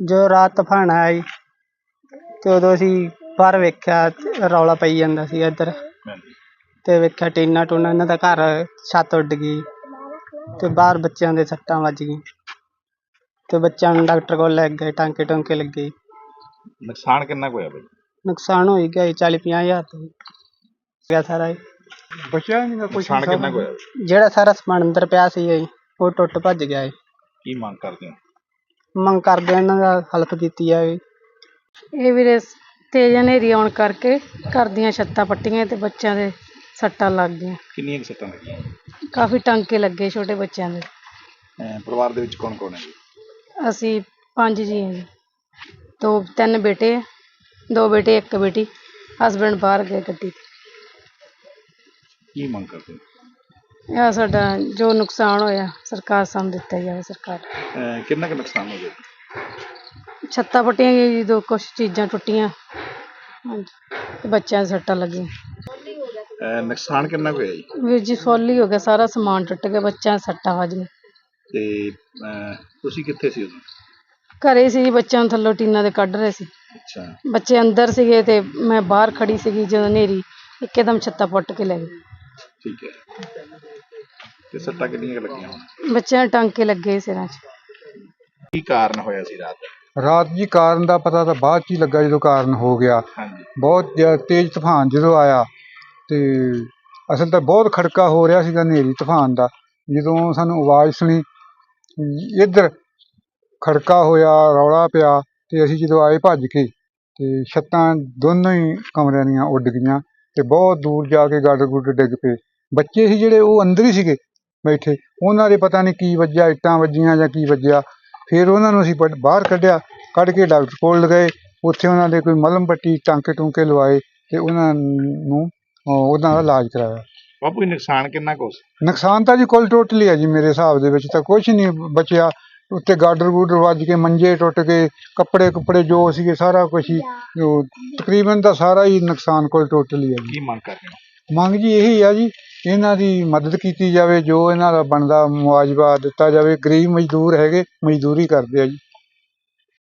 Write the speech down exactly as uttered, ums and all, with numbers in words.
ਜੋ ਰਾਤ ਤੂਫਾਨ ਆਇਆ ਜੀ ਤੇ ਉਦੋਂ ਅਸੀਂ ਬਾਹਰ ਵੇਖਿਆ ਤੇ ਰੌਲਾ ਪਈ ਜਾਂਦਾ ਸੀ ਇੱਧਰ ਹਾਂਜੀ। ਤੇ ਵੇਖਿਆ ਟੀਨਾ ਟੂਨਾ ਇਹਨਾਂ ਦਾ ਘਰ ਛੱਤ ਉੱਡ ਗਈ ਤੇ ਬਾਹਰ ਬੱਚਿਆਂ ਦੇ ਸੱਟਾਂ ਵੱਜ ਗਈ ਤੇ ਬੱਚਿਆਂ ਨੂੰ ਡਾਕਟਰ ਕੋਲ ਲੈ ਗਏ, ਟਾਂਕੇ ਟੂੰਕੇ ਲੱਗੇ। ਨੁਕਸਾਨ ਕਿੰਨਾ ਕੁ ਹੋਇਆ ਬਾਈ? ਨੁਕਸਾਨ ਹੋ ਹੀ ਗਿਆ ਜੀ, ਚਾਲੀ ਪੰਜਾਹ ਹਜ਼ਾਰ ਤੋਂ ਗਿਆ ਸਾਰਾ ਜੀ। ਬਚਿਆ ਨਹੀਂ ਕੁਛ। ਨੁਕਸਾਨ ਕਿੰਨਾ ਕੁ ਹੋਇਆ? ਜਿਹੜਾ ਸਾਰਾ ਸਮਾਨ ਅੰਦਰ ਪਿਆ ਸੀ ਜੀ ਉਹ ਟੁੱਟ ਭੱਜ ਗਿਆ ਜੀ। ਕੀ ਮੰਗ ਕਰਦੇ ਹੋ? ਮੰਗ ਕਰਦੇ ਇਹਨਾਂ ਦਾ ਹੈਲਪ ਕੀਤੀ ਜਾਵੇ। ਇਹ ਵੀਰੇ ਤੇਜ਼ ਹਨੇਰੀ ਆਉਣ ਕਰਕੇ ਘਰ ਦੀਆਂ ਛੱਤਾਂ ਪੱਟੀਆਂ ਤੇ ਬੱਚਿਆਂ ਦੇ ਸੱਟਾਂ ਲੱਗ ਗਈਆਂ। ਕਿੰਨੀਆਂ ਕੁ ਸੱਟਾਂ ਲੱਗੀਆਂ? ਕਾਫੀ ਟਾਂਕੇ ਲੱਗੇ ਛੋਟੇ ਬੱਚਿਆਂ ਦੇ। ਅਹ ਪਰਿਵਾਰ ਦੇ ਵਿੱਚ ਕੌਣ ਕੌਣ ਹੈ ਜੀ? ਅਸੀਂ ਪੰਜ ਜੀ ਹਾਂ ਜੀ। ਦੋ ਤਿੰਨ ਬੇਟੇ ਆ, ਦੋ ਬੇਟੇ ਇੱਕ ਬੇਟੀ। ਹਸਬੈਂਡ ਬਾਹਰ ਗਏ ਗੱਡੀ 'ਤੇ। ਕੀ ਮੰਗ ਕਰਦੇ ਹੋ? ਇਹ ਸਾਡਾ ਜੋ ਨੁਕਸਾਨ ਹੋਇਆ ਸਰਕਾਰ ਸਾਨੂੰ ਦਿੱਤਾ ਜਾਵੇ। ਸਰਕਾਰ ਅਹ ਕਿੰਨਾ ਕੁ ਨੁਕਸਾਨ ਹੋ ਗਿਆ? ਛੱਤਾਂ ਪੱਟੀਆਂ ਗਈਆਂ ਜੀ, ਦੋ ਕੁਛ ਚੀਜ਼ਾਂ ਟੁੱਟੀਆਂ। ਹਾਂਜੀ ਤੇ ਬੱਚਿਆਂ ਦੇ ਸੱਟਾਂ ਲੱਗੀਆਂ। ਅਹ ਨੁਕਸਾਨ ਕਿੰਨਾ ਕੁ ਹੋਇਆ ਜੀ? ਵੀਰ ਜੀ ਫੁੱਲ ਹੀ ਹੋ ਗਿਆ, ਸਾਰਾ ਸਮਾਨ ਟੁੱਟ ਗਿਆ, ਬੱਚਿਆਂ ਦੇ ਸੱਟਾਂ ਵੱਜ ਗਈਆਂ। ਤੇ ਅਹ ਤੁਸੀਂ ਕਿੱਥੇ ਸੀ ਉਦੋਂ? ਘਰੇ ਸੀ ਜੀ, ਬੱਚਿਆਂ ਨੂੰ ਥੱਲੋਂ ਟੀਨਾਂ ਦੇ ਕੱਢ ਰਹੇ ਸੀ। ਅੱਛਾ। ਬੱਚੇ ਅੰਦਰ ਸੀਗੇ ਤੇ ਮੈਂ ਬਾਹਰ ਖੜੀ ਸੀਗੀ ਜਦੋਂ ਹਨੇਰੀ ਇੱਕਦਮ ਛੱਤਾਂ ਪੁੱਟ ਕੇ ਲੈ ਗਈ। ਠੀਕ ਹੈ। ਤੇ ਸੱਟਾਂ ਕਿੰਨੀਆਂ ਕੁ ਲੱਗੀਆਂ ਹੁਣ? ਬੱਚਿਆਂ ਦੇ ਟਾਂਕੇ ਲੱਗੇ ਸਿਰਾਂ 'ਚ। ਕੀ ਕਾਰਨ ਹੋਇਆ ਸੀ ਰਾਤ? ਰਾਤ ਜੀ ਕਾਰਨ ਦਾ ਪਤਾ ਤਾਂ ਬਾਅਦ 'ਚ ਹੀ ਲੱਗਾ ਜਦੋਂ ਕਾਰਨ ਹੋ ਗਿਆ। ਹਾਂਜੀ। ਬਹੁਤ ਜ਼ਿਆਦਾ ਤੇਜ਼ ਤੂਫਾਨ ਜਦੋਂ ਆਇਆ ਤੇ ਅਸਲ ਤਾਂ ਬਹੁਤ ਖੜਕਾ ਹੋ ਰਿਹਾ ਸੀਗਾ ਹਨੇਰੀ ਤੂਫਾਨ ਦਾ। ਜਦੋਂ ਸਾਨੂੰ ਆਵਾਜ਼ ਸੁਣੀ ਇੱਧਰ ਖੜਕਾ ਹੋਇਆ, ਰੌਲਾ ਪਿਆ ਤੇ ਅਸੀਂ ਜਦੋਂ ਆਏ ਭੱਜ ਕੇ ਤੇ ਛੱਤਾਂ ਦੋਨੋਂ ਹੀ ਕਮਰਿਆਂ ਦੀਆਂ ਉੱਡ ਗਈਆਂ ਤੇ ਬਹੁਤ ਦੂਰ ਜਾ ਕੇ ਗਾਡਰ ਗੁੱਡਰ ਡਿੱਗ ਪਏ। ਬੱਚੇ ਸੀ ਜਿਹੜੇ ਉਹ ਅੰਦਰ ਹੀ ਸੀਗੇ ਬੈਠੇ, ਉਹਨਾਂ ਦੇ ਪਤਾ ਨਹੀਂ ਕੀ ਵੱਜਿਆ, ਇੱਟਾਂ ਵੱਜੀਆਂ ਜਾਂ ਕੀ ਵੱਜਿਆ। ਫਿਰ ਉਹਨਾਂ ਨੂੰ ਅਸੀਂ ਬਾਹਰ ਕੱਢਿਆ, ਕੱਢ ਕੇ ਡਾਕਟਰ ਕੋਲ ਗਏ। ਉੱਥੇ ਉਹਨਾਂ ਦੇ ਕੋਈ ਮਲਮ ਪੱਟੀ, ਟਾਂਕੇ ਟੂੰਕੇ ਲਵਾਏ ਤੇ ਉਹਨਾਂ ਨੂੰ ਉਹਨਾਂ ਦਾ ਇਲਾਜ ਕਰਾਇਆ। ਬਾਪੂ ਨੁਕਸਾਨ ਕਿੰਨਾ ਕੁ? ਨੁਕਸਾਨ ਤਾਂ ਜੀ ਕੁੱਲ ਟੋਟਲੀ ਹੈ ਜੀ, ਮੇਰੇ ਹਿਸਾਬ ਦੇ ਵਿੱਚ ਤਾਂ ਕੁਛ ਨਹੀਂ ਬਚਿਆ। ਉੱਤੇ ਗਾਡਰ ਗੂਡਰ ਵੱਜ ਕੇ ਮੰਜੇ ਟੁੱਟ ਗਏ, ਕੱਪੜੇ ਕੁੱਪੜੇ ਜੋ ਸੀਗੇ ਸਾਰਾ ਕੁਛ ਹੀ ਤਕਰੀਬਨ ਤਾਂ ਸਾਰਾ ਹੀ ਨੁਕਸਾਨ ਕੁੱਲ ਟੋਟਲੀ ਹੈ ਜੀ। ਕੀ ਮੰਗ ਕਰਦੇ ਹੋ? ਮੰਗ ਜੀ ਇਹੀ ਆ ਜੀ, ਇਹਨਾਂ ਦੀ ਮਦਦ ਕੀਤੀ ਜਾਵੇ, ਜੋ ਇਹਨਾਂ ਦਾ ਬਣਦਾ ਮੁਆਵਜ਼ਾ ਦਿੱਤਾ ਜਾਵੇ। ਗਰੀਬ ਮਜ਼ਦੂਰ ਹੈਗੇ, ਮਜ਼ਦੂਰੀ ਕਰਦੇ ਆ ਜੀ।